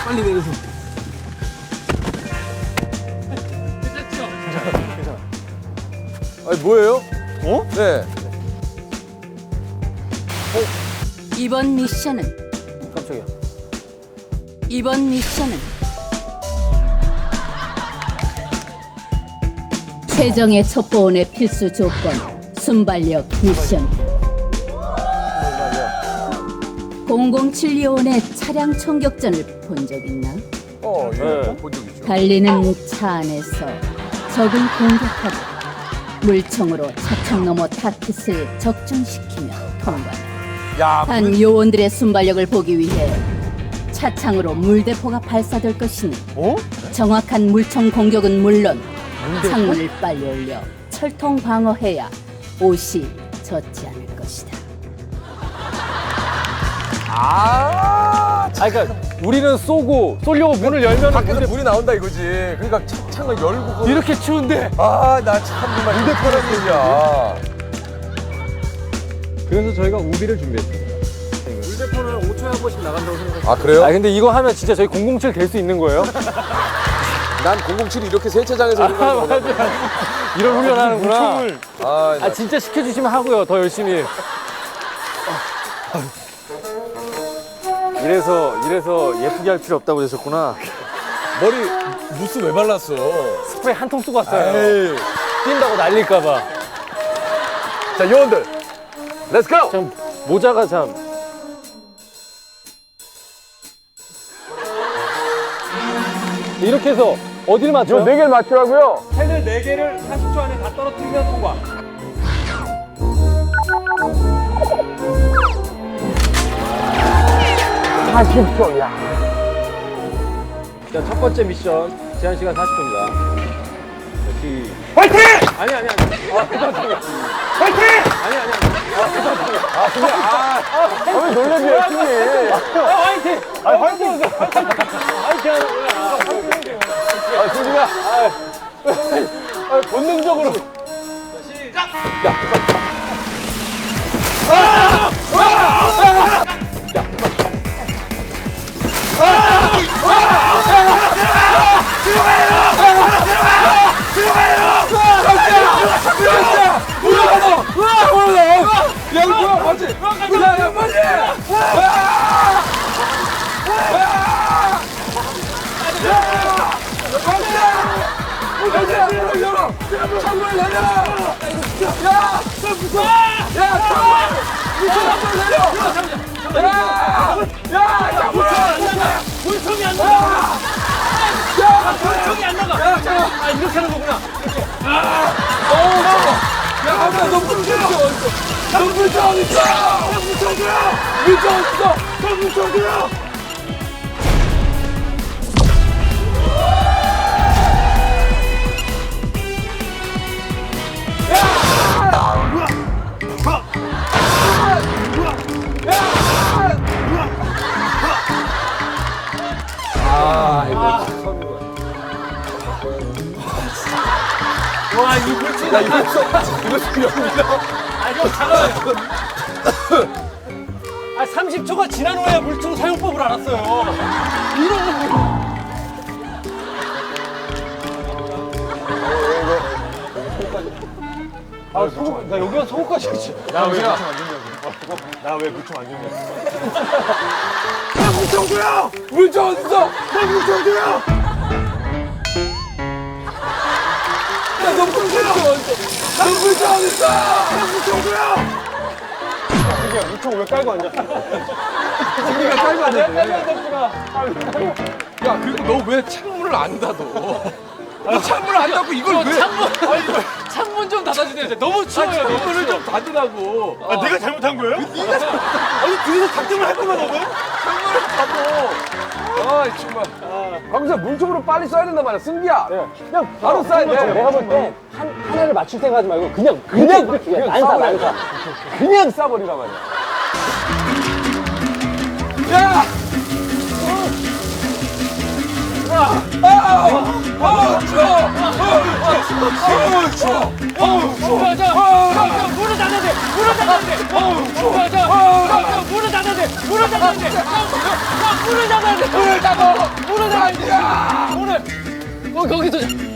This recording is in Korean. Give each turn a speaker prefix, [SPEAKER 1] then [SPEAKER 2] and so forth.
[SPEAKER 1] 빨리 내려서.
[SPEAKER 2] 아니 뭐예요? 어? 네.
[SPEAKER 3] 이번 미션은
[SPEAKER 2] 깜짝이야.
[SPEAKER 3] 이번 미션은 최정의 첩보원의 필수 조건 순발력 미션. 007요원의 차량 총격전을 본 적 있나?
[SPEAKER 2] 예. 본 적 있죠.
[SPEAKER 3] 달리는 차 안에서 적을 공격하고 물총으로 차창 너머 타깃을 적중시키며 통과.
[SPEAKER 2] 야,
[SPEAKER 3] 한 요원들의 순발력을 보기 위해 차창으로 물대포가 발사될 것이니 정확한 물총 공격은 물론 창문을 빨리 올려 철통 방어해야 옷이 젖지 않을 것이다.
[SPEAKER 4] 그러니까 우리는 쏘려고 문을 열면
[SPEAKER 2] 밖에서 불이 나온다 이거지. 그러니까 창을 열고.
[SPEAKER 4] 이렇게 추운데.
[SPEAKER 2] 아, 나 참 정말 휴대폰한 얘기야.
[SPEAKER 1] 그래서 저희가 우비를 준비했습니다. 물대포는 5초에 한 번씩 나간다고 생각해요.
[SPEAKER 2] 아, 그래요?
[SPEAKER 4] 근데 이거 하면 진짜 저희 007 될 수 있는 거예요?
[SPEAKER 2] 난 007이 이렇게 세차장에서 이런 거
[SPEAKER 4] 이런 훈련하는구나.
[SPEAKER 2] 아,
[SPEAKER 4] 진짜 시켜주시면 하고요. 더 열심히. 이래서 예쁘게 할 필요 없다고 그러셨구나.
[SPEAKER 2] 머리 무스 왜 발랐어?
[SPEAKER 4] 스프레이 한 통 쓰고 왔어요.
[SPEAKER 2] 에이.
[SPEAKER 4] 뛴다고 날릴까봐.
[SPEAKER 2] 자, 요원들. 렛츠 고!
[SPEAKER 4] 참 모자가 참. 이렇게 해서 어디를 맞춰요?
[SPEAKER 2] 네 개를 맞추라고요?
[SPEAKER 1] 펜을 4개를 40초 안에 다 떨어뜨리면 통과. 자, 첫 번째 미션 제한 시간 40초입니다. 화이팅! 아니. 화이팅! 아니.
[SPEAKER 2] 왜 놀래지, 열심히.
[SPEAKER 1] 화이팅! 화이팅!
[SPEAKER 2] 아, 승진아. 본능적으로.
[SPEAKER 1] 물총이 안 나가! 물총이 안 나가! 아, 이렇게 하는 거구나. 와, 이 물총.
[SPEAKER 2] 야, 이거 여기서.
[SPEAKER 1] 아, 형, 잠깐만요. 아, 30초가 지난 후에 물총 사용법을 알았어요. 이런. 나 여기가 속옷까지 있지.
[SPEAKER 2] 나왜
[SPEAKER 1] 물총 안 줬냐?
[SPEAKER 2] 물총 줘요! 물총 어딨어? 물총 줘요! 너 물총 어딨어? 너 물총 어딨어? 물총 줘요!
[SPEAKER 1] 물총 왜 깔고 앉았어?
[SPEAKER 2] 승리가 깔고 앉았네. 야, 그리고 너 왜 창문을 안 닫아? 너 창문을 안 닫고 이걸 왜?
[SPEAKER 1] 창문 좀 닫아주세요. 너무 추워요.
[SPEAKER 2] 창문을 좀 닫으라고.
[SPEAKER 1] 아, 내가 잘못한 거예요? 아니, 뒤에서 작정을 했구만, 너는?
[SPEAKER 2] 창문을 닫어. 아, 정말. 광수야, 물총으로 빨리 쏴야 된단 말이야, 승기야. 그냥 바로 쏴야 돼.
[SPEAKER 4] 내가 볼 때 하나를 맞출 생각하지 말고 그냥
[SPEAKER 2] 그냥
[SPEAKER 4] 난사.
[SPEAKER 2] 그냥 쏴버리란 말이야. 야!
[SPEAKER 1] 문을 닫아야 돼! 문을 닫아야 돼! 문을 닫아야 돼! 문을 닫아야 돼! 문을 닫아야 돼! 거기서